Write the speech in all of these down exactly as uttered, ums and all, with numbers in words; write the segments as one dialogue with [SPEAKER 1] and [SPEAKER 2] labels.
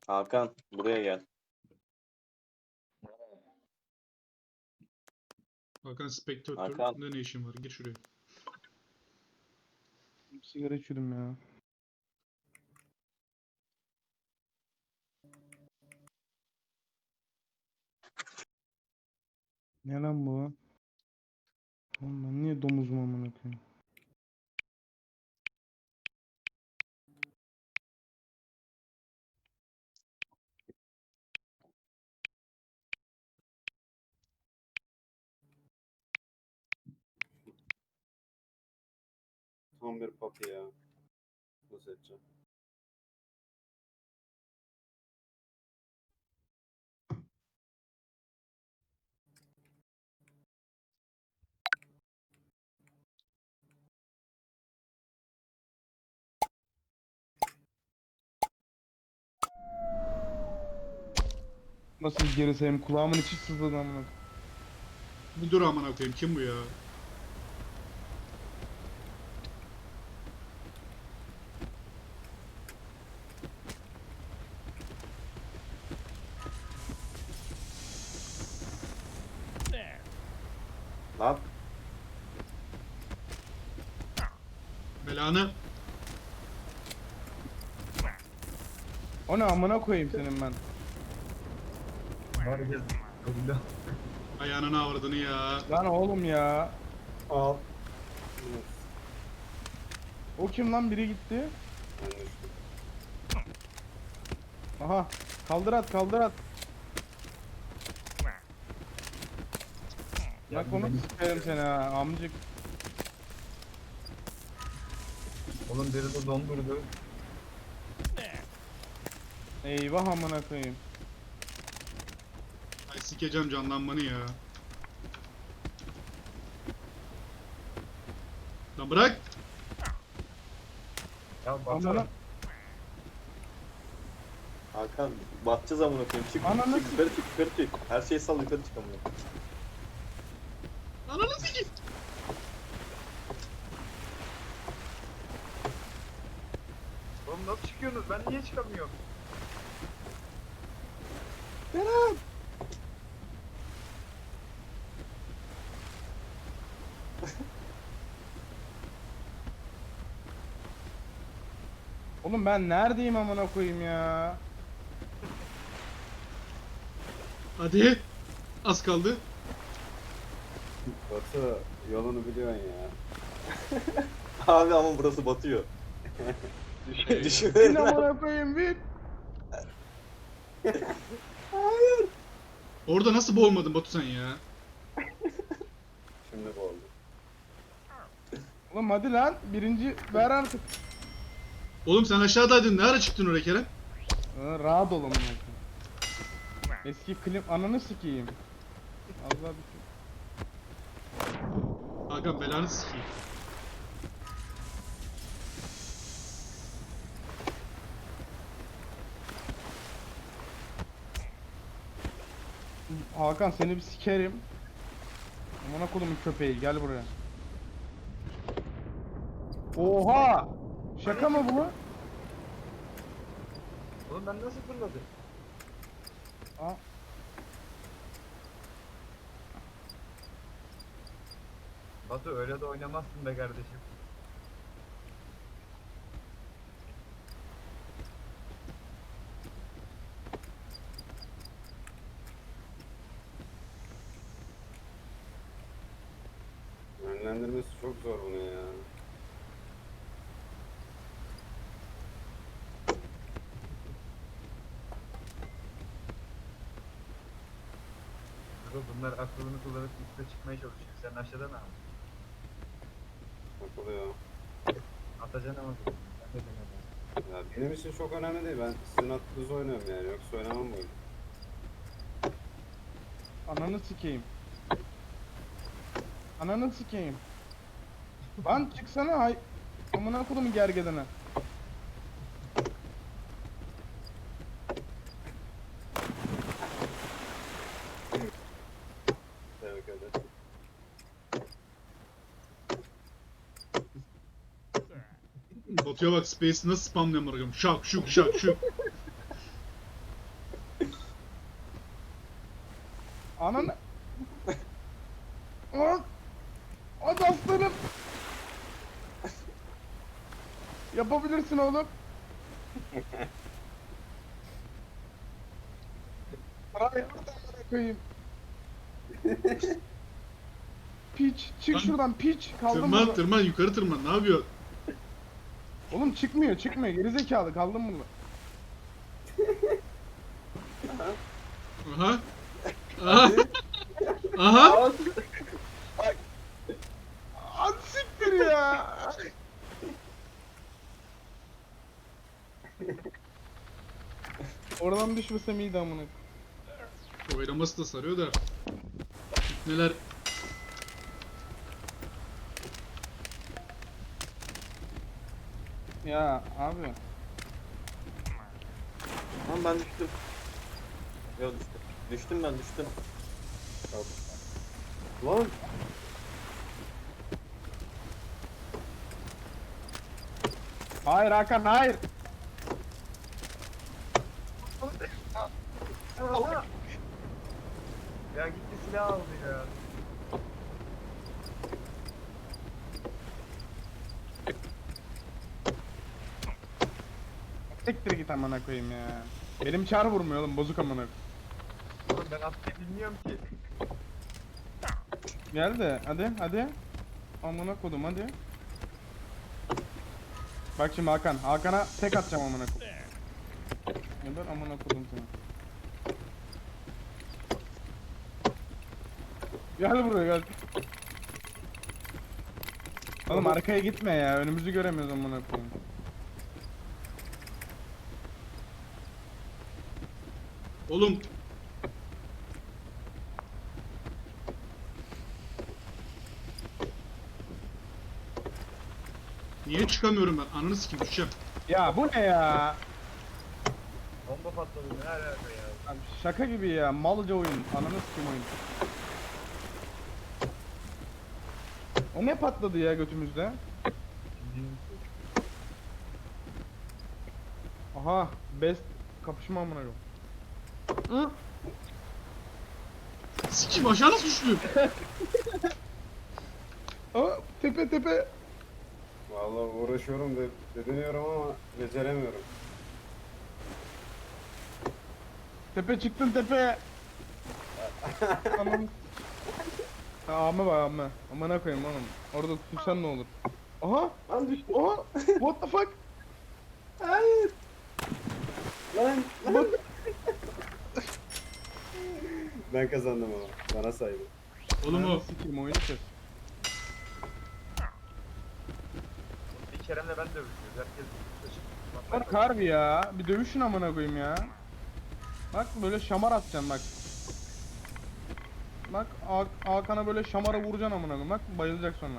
[SPEAKER 1] Hakan buraya gel.
[SPEAKER 2] Hakan Spectator.
[SPEAKER 1] Hakan.
[SPEAKER 2] Ne ne işin var? Gir şuraya.
[SPEAKER 3] Sigara içiyordum ya. Ne lan bu? Oğlum ben niye domuzum amına koyayım?
[SPEAKER 4] Tam bir papi ya. Nasıl edeceğim?
[SPEAKER 3] Nasıl geri sayayım? Kulağımın içi sızladı amına koyayım.
[SPEAKER 2] Bir dur amına koyayım. Kim bu ya?
[SPEAKER 1] Lan
[SPEAKER 2] Belanı.
[SPEAKER 3] O ne amına koyayım senin ben.
[SPEAKER 5] Var gel. Öldü.
[SPEAKER 2] Ayağının avradını ya.
[SPEAKER 3] Lan oğlum ya.
[SPEAKER 5] Al.
[SPEAKER 4] Evet,
[SPEAKER 3] O kim lan? Biri gitti.
[SPEAKER 4] ben düştüm.
[SPEAKER 3] Aha. Kaldır at kaldır at. Bak onu sikerim seni ha amcık.
[SPEAKER 5] Oğlum biri de dondurdu.
[SPEAKER 3] Eyvah amına koyayım.
[SPEAKER 2] Ay sikeceğim canlanmanı ya. Lan bırak.
[SPEAKER 5] Ya
[SPEAKER 3] Amına.
[SPEAKER 5] baksana.
[SPEAKER 1] Hakan batacağız amına koyayım. Çık,
[SPEAKER 3] Ananı
[SPEAKER 1] çık yukarı çık yukarı çık. Her şeyi sal yukarı çık amına.
[SPEAKER 2] Ananı sikeyim.
[SPEAKER 5] Oğlum nasıl çıkıyorsunuz? Ben niye çıkamıyorum?
[SPEAKER 3] Oğlum ben neredeyim amına koyayım ya?
[SPEAKER 2] Hadi. Az kaldı.
[SPEAKER 4] Batı yolunu biliyorsun ya.
[SPEAKER 1] Abi ama burası batıyor.
[SPEAKER 3] Bin
[SPEAKER 1] Düşünün.
[SPEAKER 3] amına koyayım bin.
[SPEAKER 2] Orada nasıl boğulmadın Batu sen ya?
[SPEAKER 4] Şimdi bu oldu.
[SPEAKER 3] Oğlum hadi lan. Birinci ver artık.
[SPEAKER 2] Oğlum sen aşağıdaydın. Ne ara çıktın oraya Kerem?
[SPEAKER 3] Ha, rahat ol amına koyayım. Eski klip ananı sikeyim. Allah bir şey.
[SPEAKER 2] Hakan belanı sikeyim.
[SPEAKER 3] Hakan seni bir sikerim. Amına kodumun köpeği gel buraya. Oha! Şaka mı bu?
[SPEAKER 5] Oğlum ben nasıl fırladım?
[SPEAKER 3] Aa,
[SPEAKER 5] Batu öyle de oynamazsın be kardeşim.
[SPEAKER 4] Yönlendirmesi çok zor bunu ya.
[SPEAKER 5] Bro bunlar aklını kullanıp üstte çıkmaya çalışıyor. Sen aşağıda ne yapıyorsun?
[SPEAKER 4] Takılıyor.
[SPEAKER 5] Atacaksın ama. Ben de denedim.
[SPEAKER 4] Ya benim için çok önemli değil. Ben sizin attığınızı oynuyorum yani. Yoksa oynamam bu oyunu.
[SPEAKER 3] ananı sikeyim. Ananı sikeyim. Lan çıksana hay. Amına kodumun gergedene.
[SPEAKER 4] Tebrik ederim.
[SPEAKER 2] Batu'ya bak Space'i nasıl spamlıyorum bakalım. Şak şuk şak şuk.
[SPEAKER 3] Ananı. Aa! Hadi aslanım. Yapabilirsin oğlum. Ay, koyayım. Piç, çık
[SPEAKER 2] Lan,
[SPEAKER 3] şuradan piç. Kaldım
[SPEAKER 2] Tırman
[SPEAKER 3] burada.
[SPEAKER 2] tırman yukarı tırman ne yapıyorsun?
[SPEAKER 3] Oğlum çıkmıyor, çıkmıyor. Gerizekalı kaldım burada.
[SPEAKER 2] Aha. Aha. Aha.
[SPEAKER 3] Hadi siktir ya. Oradan düşmesem iyiydi amına.
[SPEAKER 2] Oynaması da sarıyor da. Neler?
[SPEAKER 3] Ya abi.
[SPEAKER 1] Lan ben düştüm. Yok düştüm. Düştüm ben düştüm.
[SPEAKER 4] Lan
[SPEAKER 3] Hayır Hakan hayır.
[SPEAKER 5] Ya gitti silah aldı ya.
[SPEAKER 3] Siktir git amına koyayım ya. Benim çar vurmuyor oğlum bozuk amına.
[SPEAKER 5] Oğlum ben atmayı bilmiyorum ki.
[SPEAKER 3] Gel de hadi hadi. Amına kodum hadi. Bak şimdi Hakan. Hakan'a tek atacağım amına koyayım. Geber amına kodum seni. Gel buraya gel. Oğlum arkaya gitme ya. Önümüzü göremiyoruz amına koyayım.
[SPEAKER 2] Oğlum. Niye çıkamıyorum ben? Ananı sikeyim düşeceğim.
[SPEAKER 3] Ya bu ne ya?
[SPEAKER 5] Bomba patladı ne alaka ya.
[SPEAKER 3] Abi şaka gibi ya. Malca oyun. Ananı sikeyim oyun. O ne patladı ya götümüzde? Aha. Best kapışma amına koyayım. Hı?
[SPEAKER 2] Sikeyim aşağı nasıl düştüm?
[SPEAKER 3] Aa, tepe tepe.
[SPEAKER 4] vallahi uğraşıyorum de, dediniyorum ama beceremiyorum.
[SPEAKER 3] Tepe çıktın tepe. Tamam. Ha, ama bak ama. Amına koyayım oğlum. Orada tutuşsan ne olur? Aha.
[SPEAKER 1] Lan düştüm.
[SPEAKER 3] Aha. What the fuck?
[SPEAKER 1] Hayır. Lan.
[SPEAKER 3] Bak.
[SPEAKER 4] Ben kazandım ama bana saydı.
[SPEAKER 2] Oğlum o.
[SPEAKER 3] Sikeyim oyunu kes.
[SPEAKER 5] Bir Kerem'le ben dövüşüyoruz. Herkes
[SPEAKER 3] Bak harbi ya. Bir dövüşün amına koyayım ya. Bak böyle şamar atacaksın bak. Bak Ha- Hakan'a böyle şamara vuracaksın amına koyayım. Bak bayılacak sonra.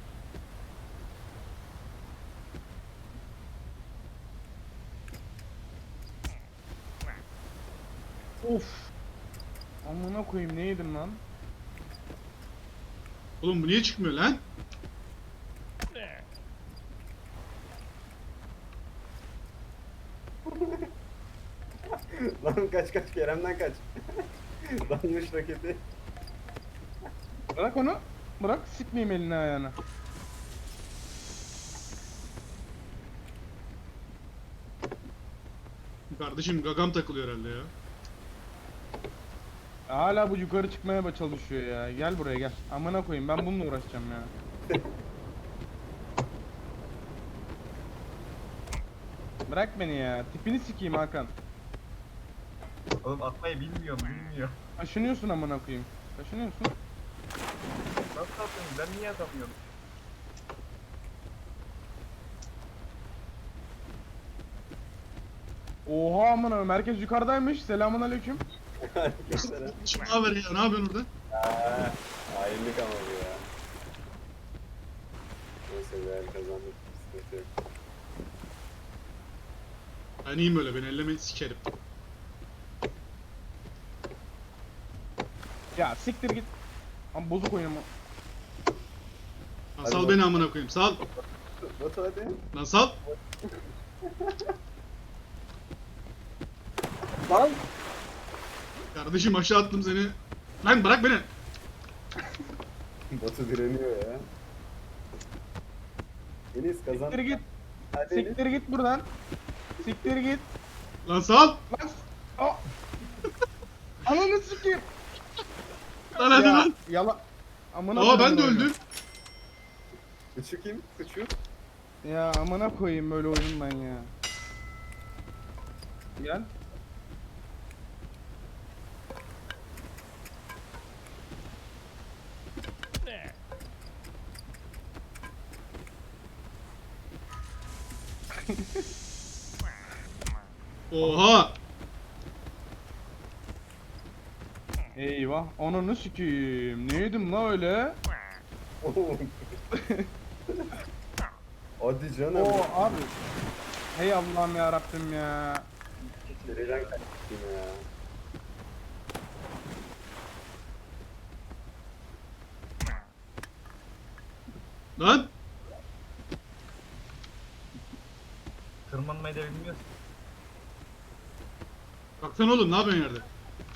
[SPEAKER 3] Of. Amına koyayım ne yedim lan?
[SPEAKER 2] Oğlum bu niye çıkmıyor lan?
[SPEAKER 4] Lan kaç kaç Kerem'den kaç. Danmış raketi.
[SPEAKER 3] Bırak onu. Bırak sikmeyeyim elini ayağını.
[SPEAKER 2] Kardeşim gagam takılıyor herhalde ya.
[SPEAKER 3] Hala bu yukarı çıkmaya çalışıyor ya. Gel buraya gel. Amına koyayım ben bununla uğraşacağım ya. Bırak beni ya. Tipini sikeyim Hakan.
[SPEAKER 5] Oğlum atmayı bilmiyorum bilmiyor.
[SPEAKER 3] Kaşınıyorsun amına koyayım. Kaşınıyorsun.
[SPEAKER 5] Nasıl atıyorsun? Ben niye atamıyorum?
[SPEAKER 3] Oha amına koyayım. Herkes yukarıdaymış. Selamun aleyküm.
[SPEAKER 2] Şimdi ne haber ya? Ne yapıyorsun orada?
[SPEAKER 4] Aa, hainlik ama bu ya. Neyse be kazandık. Sıkıntı yok.
[SPEAKER 2] Ben iyiyim öyle. Beni elleme sikerim.
[SPEAKER 3] Ya siktir git. Ama bozuk oyun ama.
[SPEAKER 2] Lan
[SPEAKER 4] Hadi
[SPEAKER 2] sal
[SPEAKER 4] bak.
[SPEAKER 2] beni amına koyayım. Sal.
[SPEAKER 4] Batu hadi.
[SPEAKER 2] Lan sal.
[SPEAKER 1] Lan.
[SPEAKER 2] Kardeşim aşağı attım seni. Lan bırak beni.
[SPEAKER 4] Batu direniyor ya. Enis kazan.
[SPEAKER 3] Siktir git.
[SPEAKER 4] Hadi Enis.
[SPEAKER 3] Siktir git buradan. Siktir git.
[SPEAKER 2] Lan sal.
[SPEAKER 3] Lan. Aa. Ananı sikeyim.
[SPEAKER 2] Lan hadi
[SPEAKER 3] Ya,
[SPEAKER 2] lan.
[SPEAKER 3] Yala. Amına
[SPEAKER 2] Aa ben de
[SPEAKER 3] koyayım
[SPEAKER 2] öldüm.
[SPEAKER 4] Küçük kim? Küçük.
[SPEAKER 3] böyle. Ya amına koyayım böyle oyun ben ya. Gel.
[SPEAKER 2] Oha.
[SPEAKER 3] Eyvah. Ananı sikeyim. Neydim la öyle?
[SPEAKER 4] Hadi canım.
[SPEAKER 3] Oo abi. Hey Allah'ım ya Rabbim ya.
[SPEAKER 4] Nereden kaçtın ya?
[SPEAKER 2] Lan.
[SPEAKER 5] Tırmanmayı da bilmiyorsun.
[SPEAKER 2] Baksana oğlum ne yapıyorsun yerde?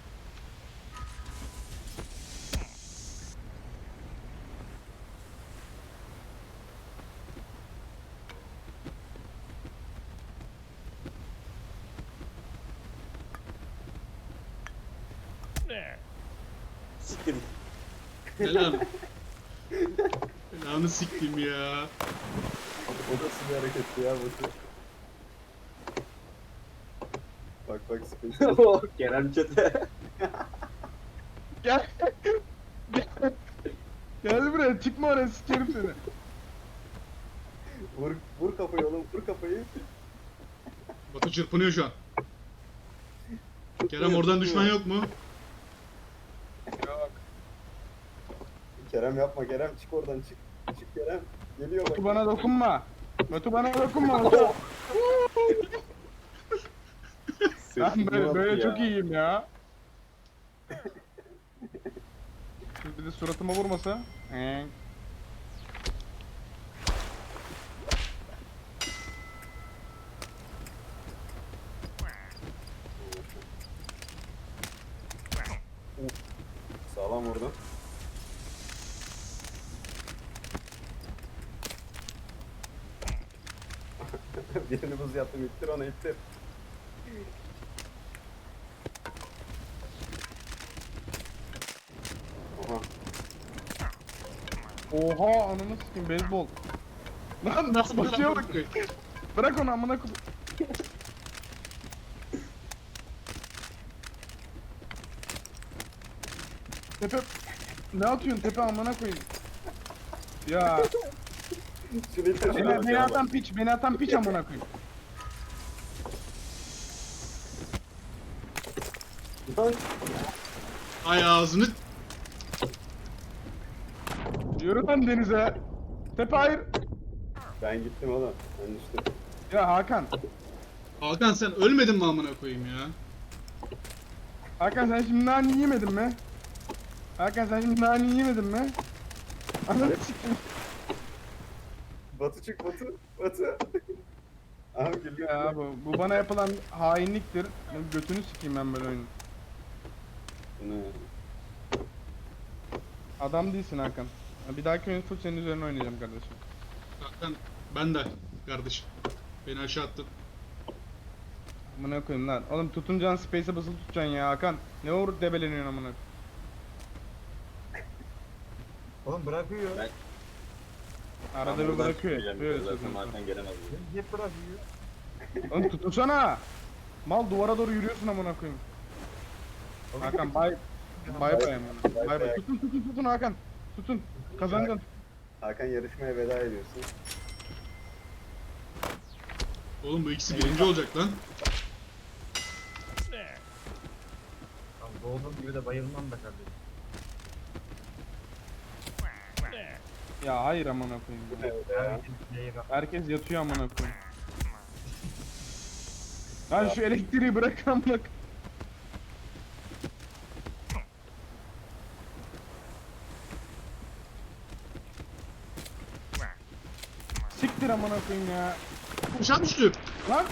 [SPEAKER 1] Siktir.
[SPEAKER 2] Selam. Belanı siktim ya.
[SPEAKER 4] O nasıl bir hareketti ya Batu? Bak bak space.
[SPEAKER 1] Oh, Kerem çete.
[SPEAKER 3] Gel. Gel. Gel buraya çıkma oraya sikerim seni.
[SPEAKER 4] Vur, vur kafayı oğlum, vur kafayı.
[SPEAKER 2] Batu çırpınıyor şu an. Kerem oradan düşman yok mu?
[SPEAKER 3] Yok.
[SPEAKER 4] Kerem yapma Kerem, çık oradan çık. Çık Kerem. Geliyor bak.
[SPEAKER 3] Batu bana dokunma. Batu bana dokunma. Batu. Ben böyle, böyle çok iyiyim ya. Şimdi bir de suratıma vurmasa. Ee.
[SPEAKER 4] Sağlam vurdu. Birini buz yaptım, ittir onu ittir. Oha.
[SPEAKER 3] Oha ananı sikeyim beyzbol. Lan nasıl basıyor bak. Bırak onu amına koy. Tepe ne atıyorsun tepe amına koyayım. Ya
[SPEAKER 4] Şunu ittir, şunu
[SPEAKER 3] beni,
[SPEAKER 4] ittir.
[SPEAKER 3] beni atan piç beni atan piç amına koyayım.
[SPEAKER 4] Lan,
[SPEAKER 2] Ay ağzını.
[SPEAKER 3] Yürü lan denize. Tepe hayır.
[SPEAKER 4] ben gittim oğlum. Ben düştüm.
[SPEAKER 3] Ya Hakan.
[SPEAKER 2] Hakan sen ölmedin mi amına koyayım ya?
[SPEAKER 3] Hakan sen şimdi nane yemedin mi? Hakan sen şimdi nane yemedin mi? Ananı sikeyim.
[SPEAKER 4] Batu çık Batu. Batu. Aha geliyor.
[SPEAKER 3] Ya bu, bu bana yapılan hainliktir. Ben götünü sikeyim ben böyle oyunun.
[SPEAKER 4] Bu ne?
[SPEAKER 3] Adam değilsin Hakan. Ya bir dahaki oyun full senin üzerine oynayacağım kardeşim.
[SPEAKER 2] Hakan ben de kardeşim. Beni aşağı attın.
[SPEAKER 3] Amına koyayım lan. Oğlum tutuncan space'e basılı tutacaksın ya Hakan. Ne uğur debeleniyorsun amına.
[SPEAKER 5] Oğlum bırakıyor.
[SPEAKER 1] Ben-
[SPEAKER 3] Arada
[SPEAKER 1] Ben
[SPEAKER 3] bir
[SPEAKER 1] buradan
[SPEAKER 3] bırakıyor.
[SPEAKER 1] çıkmayacağım,
[SPEAKER 3] Böyle
[SPEAKER 1] zaten
[SPEAKER 3] söylüyorsun.
[SPEAKER 1] Hakan gelemez.
[SPEAKER 5] Hep bırakıyor.
[SPEAKER 3] Oğlum tutunsana. Mal duvara doğru yürüyorsun amına koyayım. Hakan bay bay bay amına.
[SPEAKER 4] Bay
[SPEAKER 3] Bay bay.
[SPEAKER 4] bay.
[SPEAKER 3] Tutun tutun tutun Hakan. Tutun. Kazanacaksın.
[SPEAKER 4] Hakan yarışmaya veda ediyorsun.
[SPEAKER 2] Oğlum bu ikisi birinci olacak lan.
[SPEAKER 5] Abi doğduğum gibi de bayılmam da kardeşim.
[SPEAKER 3] Ya hayır amına koyayım ya.
[SPEAKER 4] Evet ya.
[SPEAKER 5] Herkes player up.
[SPEAKER 3] Herkes yatıyor amına koyayım. Lan şu elektriği bırak amına koyayım. Siktir amına koyayım ya.
[SPEAKER 2] Aşağı düştü.
[SPEAKER 3] Lan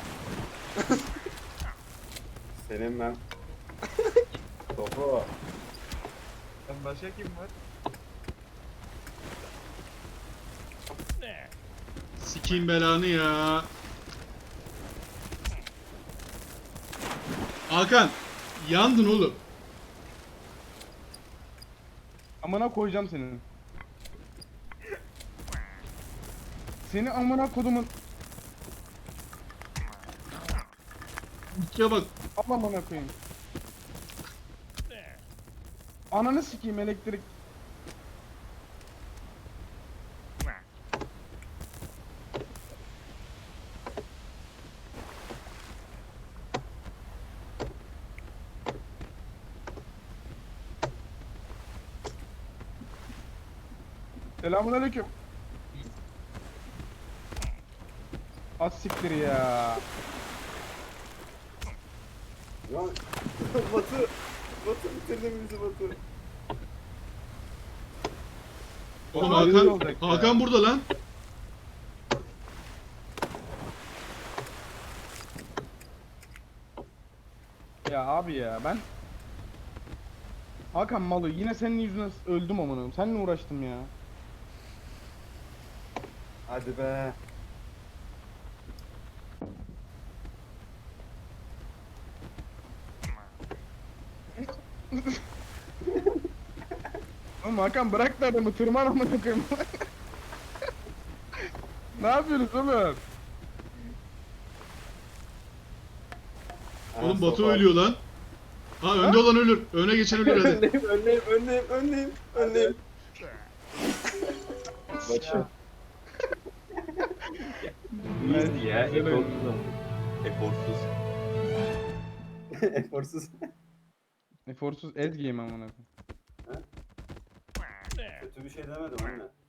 [SPEAKER 4] Senin ben. Topu.
[SPEAKER 5] Lan başka kim var?
[SPEAKER 2] Sikeyim belanı ya. Hakan yandın oğlum.
[SPEAKER 3] Amına koyacağım senin. Seni amına kodumun.
[SPEAKER 2] Ya bak.
[SPEAKER 3] Allah amına koyayım. Ananı sikeyim elektrik. Selamünaleyküm. Az siktir ya.
[SPEAKER 4] Lan Batu. Batu bitirdin bizi Batu.
[SPEAKER 2] Oğlum
[SPEAKER 3] Oğlum, rezil
[SPEAKER 2] Hakan,
[SPEAKER 3] olacak ya.
[SPEAKER 2] Hakan burada lan.
[SPEAKER 3] Ya abi ya ben Hakan malı yine senin yüzünden öldüm amına koyayım. Seninle uğraştım ya.
[SPEAKER 4] Hadi be.
[SPEAKER 3] Oğlum Hakan bırak da adamı tırman amına koyayım. Ne yapıyorsunuz oğlum?
[SPEAKER 4] Ha,
[SPEAKER 2] Oğlum Batu
[SPEAKER 4] sopa.
[SPEAKER 2] ölüyor lan. Ha önde olan ölür. Öne geçen ölür hadi.
[SPEAKER 4] Önleyim, önleyim, önleyim, önleyim, önleyim. Batu.
[SPEAKER 1] İyiydi ya.
[SPEAKER 3] Güzel
[SPEAKER 1] Eforsuz
[SPEAKER 3] oyun.
[SPEAKER 1] ama. Eforsuz.
[SPEAKER 4] Eforsuz.
[SPEAKER 3] Eforsuz ez game amına koyayım.
[SPEAKER 4] Kötü bir şey demedim anne.